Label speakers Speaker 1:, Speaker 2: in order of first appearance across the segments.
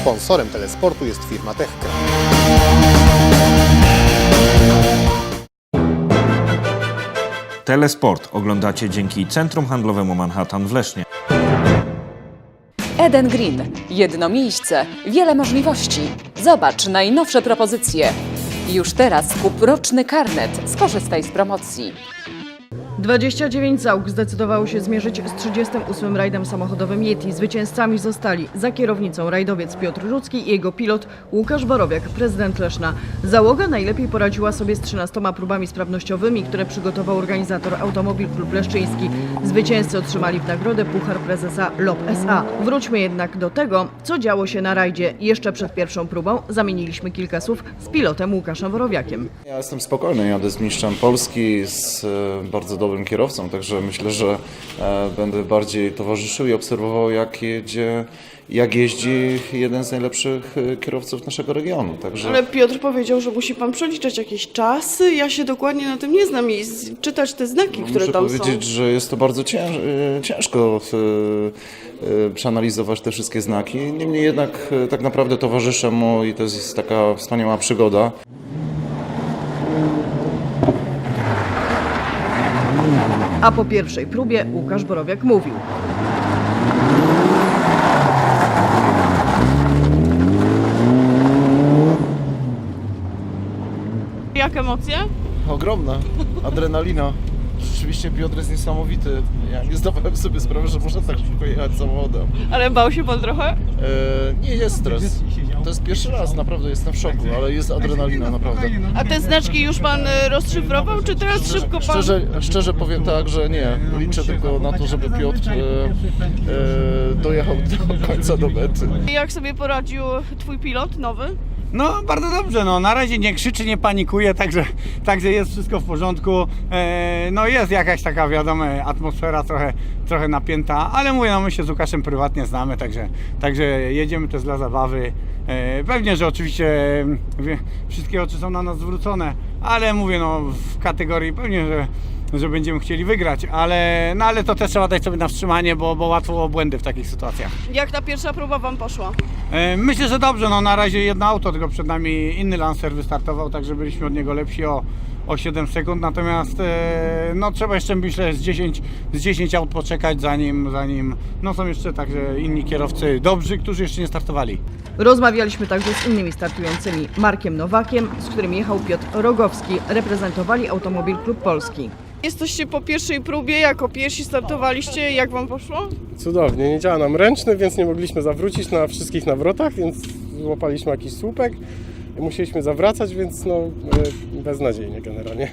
Speaker 1: Sponsorem telesportu jest firma Techcra.
Speaker 2: Telesport oglądacie dzięki Centrum Handlowemu Manhattan w Lesznie.
Speaker 3: Eden Green. Jedno miejsce, wiele możliwości. Zobacz najnowsze propozycje. Już teraz kup roczny karnet. Skorzystaj z promocji.
Speaker 4: 29 załóg zdecydowało się zmierzyć z 38. rajdem samochodowym Yeti. Zwycięzcami zostali za kierownicą rajdowiec Piotr Rudzki i jego pilot Łukasz Borowiak, prezydent Leszna. Załoga najlepiej poradziła sobie z 13 próbami sprawnościowymi, które przygotował organizator Automobil Klub Leszczyński. Zwycięzcy otrzymali w nagrodę puchar prezesa LOP SA. Wróćmy jednak do tego, co działo się na rajdzie. Jeszcze przed pierwszą próbą zamieniliśmy kilka słów z pilotem Łukaszem Borowiakiem.
Speaker 5: Ja jestem spokojny, jadę z mistrzem Polski, z bardzo dobrym kierowcą, także myślę, że będę bardziej towarzyszył i obserwował, jak jeździ jeden z najlepszych kierowców naszego regionu. Także...
Speaker 6: Ale Piotr powiedział, że musi pan przeliczać jakieś czasy. Ja się dokładnie na tym nie znam i czytać te znaki, które tam są.
Speaker 5: Muszę powiedzieć, że jest to bardzo ciężko przeanalizować te wszystkie znaki. Niemniej jednak tak naprawdę towarzyszę mu i to jest taka wspaniała przygoda.
Speaker 4: A po pierwszej próbie Łukasz Borowiak mówił.
Speaker 6: Jak emocje?
Speaker 7: Ogromna adrenalina. Rzeczywiście Piotr jest niesamowity. Ja nie zdawałem sobie sprawy, że można tak szybko jechać samochodem.
Speaker 6: Ale bał się pan trochę?
Speaker 7: Nie jest stres. To jest pierwszy raz, naprawdę jestem w szoku, ale jest adrenalina naprawdę.
Speaker 6: A te znaczki już pan rozszyfrował, czy teraz szybko pan...
Speaker 7: Szczerze powiem tak, że nie. Liczę tylko na to, żeby Piotr dojechał do końca, do mety.
Speaker 6: Jak sobie poradził twój pilot nowy?
Speaker 8: No bardzo dobrze, no na razie nie krzyczy, nie panikuje, także jest wszystko w porządku. No jest jakaś taka, wiadomo, atmosfera trochę napięta, ale mówię, no my się z Łukaszem prywatnie znamy, także jedziemy też dla zabawy. Pewnie, że oczywiście wszystkie oczy są na nas zwrócone, ale mówię, no w kategorii pewnie, że będziemy chcieli wygrać, ale to też trzeba dać sobie na wstrzymanie, bo łatwo o błędy w takich sytuacjach.
Speaker 6: Jak ta pierwsza próba wam poszła?
Speaker 8: Myślę, że dobrze, no na razie jedno auto, tylko przed nami inny Lancer wystartował, także byliśmy od niego lepsi o 7 sekund, natomiast no trzeba jeszcze, myślę, z 10 aut poczekać, zanim no są jeszcze także inni kierowcy dobrzy, którzy jeszcze nie startowali.
Speaker 4: Rozmawialiśmy także z innymi startującymi. Markiem Nowakiem, z którym jechał Piotr Rogowski. Reprezentowali Automobil Klub Polski.
Speaker 6: Jesteście po pierwszej próbie, jako pierwsi startowaliście. Jak wam poszło?
Speaker 9: Cudownie, nie działa nam ręczny, więc nie mogliśmy zawrócić na wszystkich nawrotach, więc złapaliśmy jakiś słupek i musieliśmy zawracać, więc no beznadziejnie generalnie.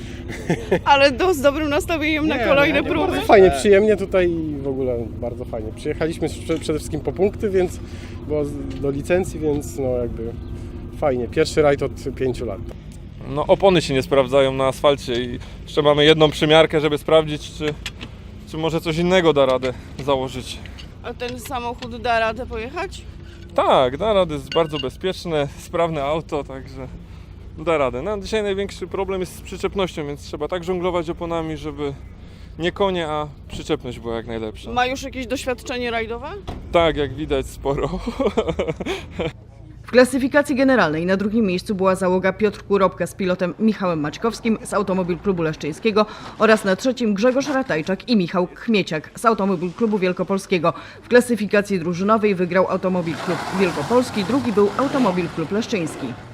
Speaker 6: Ale z dobrym nastawieniem na kolejne próby?
Speaker 9: Bardzo fajnie, przyjemnie tutaj i w ogóle bardzo fajnie. Przyjechaliśmy przede wszystkim po punkty, więc było do licencji, więc no jakby fajnie. Pierwszy rajd od 5 lat.
Speaker 10: No opony się nie sprawdzają na asfalcie i jeszcze mamy jedną przymiarkę, żeby sprawdzić, czy może coś innego da radę założyć.
Speaker 6: A ten samochód da radę pojechać?
Speaker 10: Tak, da radę, jest bardzo bezpieczne, sprawne auto, także da radę. No, dzisiaj największy problem jest z przyczepnością, więc trzeba tak żonglować oponami, żeby nie konie, a przyczepność była jak najlepsza.
Speaker 6: Ma już jakieś doświadczenie rajdowe?
Speaker 10: Tak, jak widać, sporo.
Speaker 4: W klasyfikacji generalnej na drugim miejscu była załoga Piotr Kurobka z pilotem Michałem Maćkowskim z Automobil Klubu Leszczyńskiego oraz na trzecim Grzegorz Ratajczak i Michał Chmieciak z Automobil Klubu Wielkopolskiego. W klasyfikacji drużynowej wygrał Automobil Klub Wielkopolski, drugi był Automobil Klub Leszczyński.